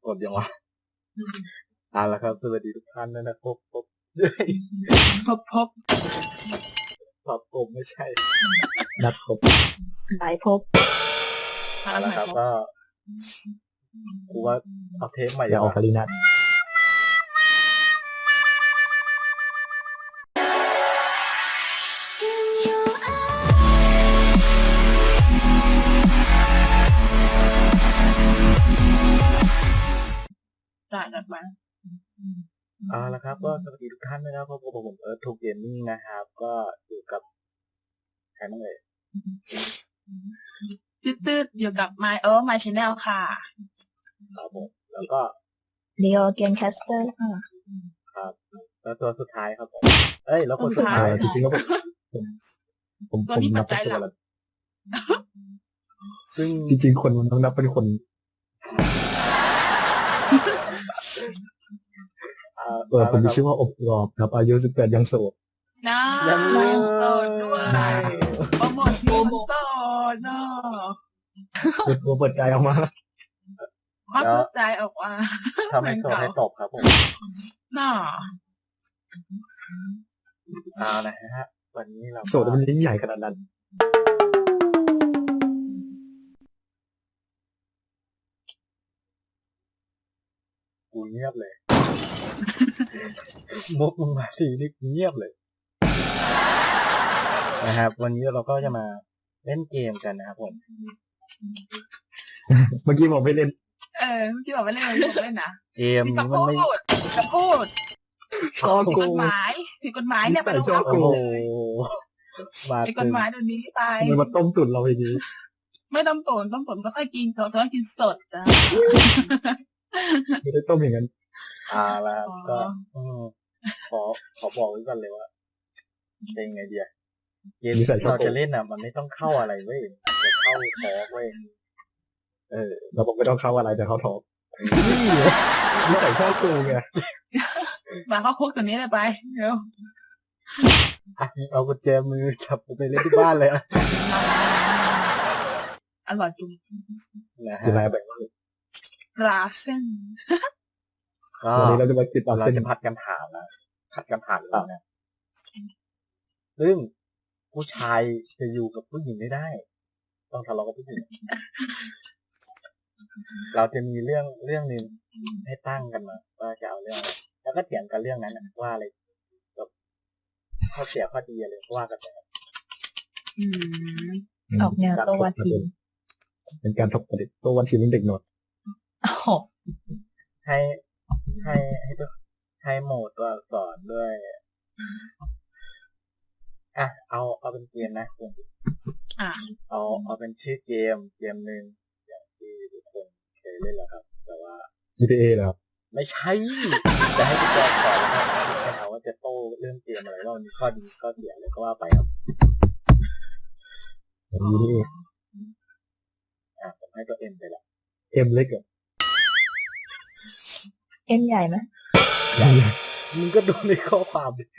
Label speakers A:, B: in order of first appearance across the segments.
A: ดยังวะแล้วครับสวัสดีทุกท่านนะพบ
B: พบ
A: ผมไม่ใช่
B: นัดพบ
C: หลายพบ
A: แล้วครับก็กูว่าเอาเทปใหม่
B: อย่าเอาคารินัท
C: จัดมา
A: แล้วครับก็สวัสดีทุกท่านนะครับพบกับผมทูเกมมิ่งนะครับก็อยู่กับใครบ้าง
C: ตืดอยู่กับMy Channel ค่ะ
A: ครับผมแล้วก็
C: Leo Game Caster ค่ะ
A: ครับแล้วตัวสุดท้ายครับผมแล้วคน
C: สุดท้าย
B: จริงๆก็ผม
C: นับเป็นตัวละ
A: ซึ่ง
B: จริงๆคนมันต้องนับเป็นคนผมมีชื่อว่าอบกรอบครับอายุ18ยังโสด
C: ยังโสดด้วยโปรโมทโสดเนาะ
B: เปิดใจออกมา
C: เปิดใจออกมา
A: ทำให้โสดให้ตบครับผม
C: น่ะ
A: นะฮะวันนี้เรา
B: โสดมันยิ่งใหญ่ขนาดนั้น
A: กูเงียบเลยมุกมึงมาทีนี่เงียบเลยนะครับวันนี้เราก็จะมาเล่นเกมกันนะครับผม
B: เมื่อกี้บอกไม่เล่น
C: เมื่อกี้บอกไม่เล่นผมเล่นนะ
A: เกมนี้มันไม่
C: จะพูดผิดกฎหมายเนี่ยไปลงโทษผิดกฎหมายเดี๋ยวนี้ไป
B: มันมาต้มตุ๋นเราอย่างนี้
C: ไม่ต้มตุ๋นก็ค่อยกินสดต้องกินสดจ้ะ
B: ไม่ได้ต้มอย่างนั้น
A: แล้วก็ขอบอกไว้ก่อนเลยว่าเป็นไงเดียเกมที่เราจะเล่นมันไม่ต้องเข้าอะไรเว้ยจะเข้าทอล์กเว้ย
B: เราบอกไม่ต้องเข้าอะไรแต่เข้าทอล์กนี่ใส่ข้อกูไง
C: มาเข้าคุกตัวนี้เลยไปเดี๋ยว
A: เอากุญแจมือจับไปเล่นที่บ้านเลย
C: อร่อยจุ๊บ
A: คืออะไร
B: แบบ
C: ราเส้น
B: วันนี้เราจะมาติดต่อ
A: เราจะผัดกันถามนะผัดกันถามแล้วนะซึ่งผู้ชายจะอยู่กับผู้หญิงไม่ได้ต้องทะเลาะกับผู้หญิงเราจะมีเรื่องนึงให้ตั้งกันมาว่าจะเอาเรื่องอะไรแล้วก็เถียงกันเรื่องนั้นว่าอะไรแบบข้อเสียข้อดีอะไรว่ากันไป
C: ออกแนวตัววันที
B: เป็นการทบทวนตัววันทีมันเด็กหนวด
A: ให้โหมดตัวสอนด้วยเอาเป็นเกมนะคุณเอาเป็นชื่อเกมหนึ่งอย่างที่ทุกคนเคยเล่นแล้วครับแต่ว่า
B: GTA เหรอครับ
A: ไม่ใช่จะให้พี่แจ๊คสอนแล้วครับพี่แจ๊คว่าจะโต้เรื่องเกมอะไรแล้วมีข้อดีข้อเสียอะไรก็ว่าไปครับ
B: นี่
A: ผมให้ตัว M ไปละ
B: M เล็กเหรอ
C: M ใหญ่ไหม
A: มึงก็ดูในข้อความดิ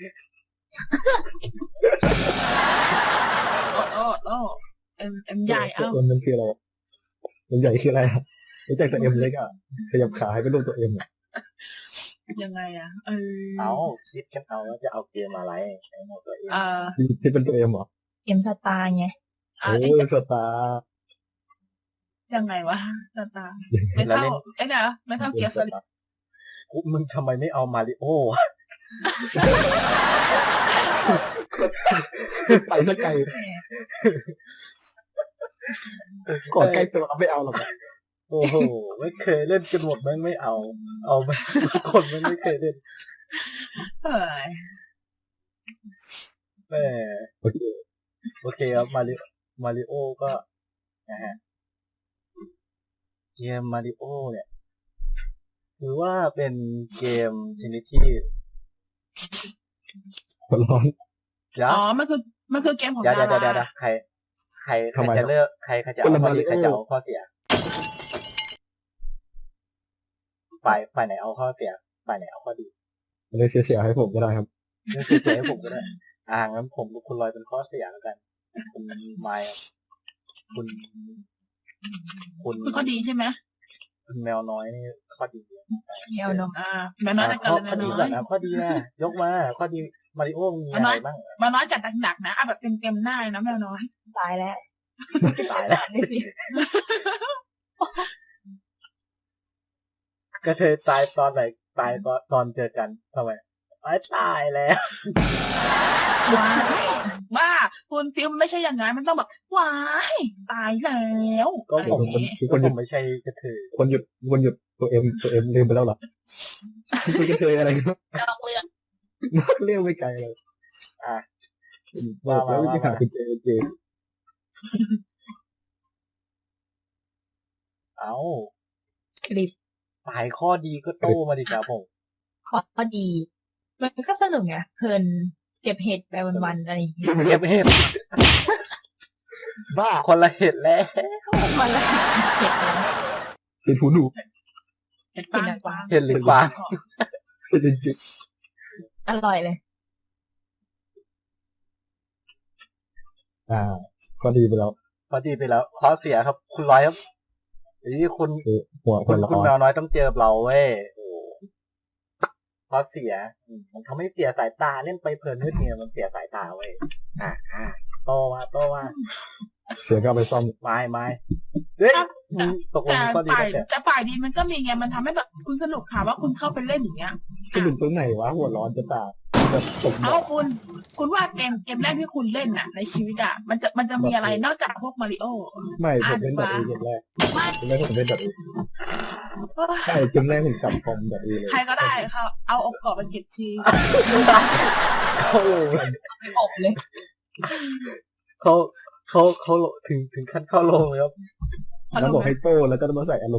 C: M ใหญ่
B: M มันคืออะไรM ใหญ่คืออะไรรู้จักแต่ M เล็กขยับขาให้เป็นรูปตัว M
C: ยังไง
A: คิดกันเอาว่าจะเอาเกมอะไรในโหมดตัว M
B: ที่เป็นตัว M เหรอ
C: M สตาร์ไง
B: M สตาร์
C: ยังไงวะสตาร์ไม่เท่าไม่เท่าเกียร์สลิด
A: มึงทำไมไม่เอามาริโอ
B: ไปสักไกลก่อนใกล้ตัวไม่เอาหรอก
A: โอ้โหไม่เคยเล่นกันหมดไม่เอาไปคนไม่เคยเล่นโอเคครับมาริโอก็นะฮะเกมมาริโอเนี่ยถือว่าเป็นเกมชนิดที่
B: ร้อน
C: มันคือเกมของ
A: ดาราใครจะเลือกใครจะเอาข้อดีใครจะเอาข้อเสียฝ่ายไหนเอาข้อเสียฝ่ายไหนเอาข้อดี
B: เลยเสียให้ผมก็ได้ครับ
A: เสียให้ผมก็ได้งั้นผมกับคุณลอยเป็นข้อเสียแล้วกันคุณไมค์คุณ
C: ข้อดีใช่ไหม
A: คุณแมวน้อยนี่ข้อดี
C: แมวน้อยแมวน้อยจะ
A: ข้
C: กั
A: อน
C: เลยแม
A: ข้อ
C: ว
A: ดี
C: น้อ
A: ก่อย นนะข้อดีนะยกมาข้อดีมาริโอมีอะไรบ้าง
C: แมวน้อยจัดหนักๆนะเอาแบบเต็มๆหน้าเลยนะแมวน้อย
D: ตายแล้ว
A: ตายแล้ว
D: นี่สิ
A: กระเทยตายตอนไหนตายตอนเจอกันทำไมตายแล้ว
C: ว้ายบ้าคุณฟิลมไม่ใช่อย่างนั้นมันต้องแบบว้ายตายแล้ว
A: ก็
C: อะไร
A: ผม
C: อย่างงี้
B: ทุก
A: ก็
B: คนห
A: ผ
B: ยุด
A: มไม่ใช่กระเทย
B: คนหยุดตัวเอ็มลืมไปแล้วเหรอคุณจะเคยอะไรครับ
D: นอกเรื่อง
B: เรียกไม่ไกลเลย
A: อ่ะ
B: บอกแล้ววิธีหาคุณเจ
A: เอา
D: คลิป
A: สายข้อดีก็โต้มาดิครับผม
D: ข้อดี มันก็สนุกไงเพลินเก็บเห็ดไปวันๆอะไรอย่างเงี้ย
A: เก็บเห็ดบ้าคนละเห็ดแล้ว
D: วันละเห็ดแล้ว
B: เป็นหูหนู
C: เห็นปางปาง
A: เห็ดหรือกวาง
B: เป็นจริง
D: อร่อยเลย
B: ก็ดีไปแล้ว
A: ข้อดีไปแล้วข้อเสียครับ คุณร้อยครับนี่คุณ
B: หัวค
A: คุณ
B: นละ
A: คุณ
B: ค
A: แม
B: ร
A: วน้อยต้องเจอเราเว้ยข้อเสียมันทำให้เสียสายตาเล่นไปเพลินนิดเดียวมันเสียสายตาเว้ยโตมา
B: เสียก็เอาไปซ่อม
A: ไม่เฮ้ยตกลง
C: แต่
A: ข้อดี
C: ฝ่าย
A: ก็เสีย
C: จะฝ่ายดีมันก็มีไงมันทำให้แบบคุณสนุกค่ะว่าคุณเข้าไปเล่นอย่างเงี้ย
B: สนุกตรงไหนวะหัวร้อนจะตายแบบตก
C: เอาคุณว่าเกมแรกที่คุณเล่นน่ะ ในชีวิตอ่ะมันจะมีอะไรนอกจากพวกมาริโอ
B: ไม่ผมเล่นแบบเกมแรกเกมแรกผมเล่นแบบใช่เกมแรกผมกลับคอมแบบเลย
C: ใครก็ได้เขาเอาอกกรอบไปเก็บที
A: เขา
D: อบเลย
A: เขาถึงขั้นเข้าโรงเลยครับ
B: แล้วบอกให้โต้แล้วก็มาใส่อารมณ์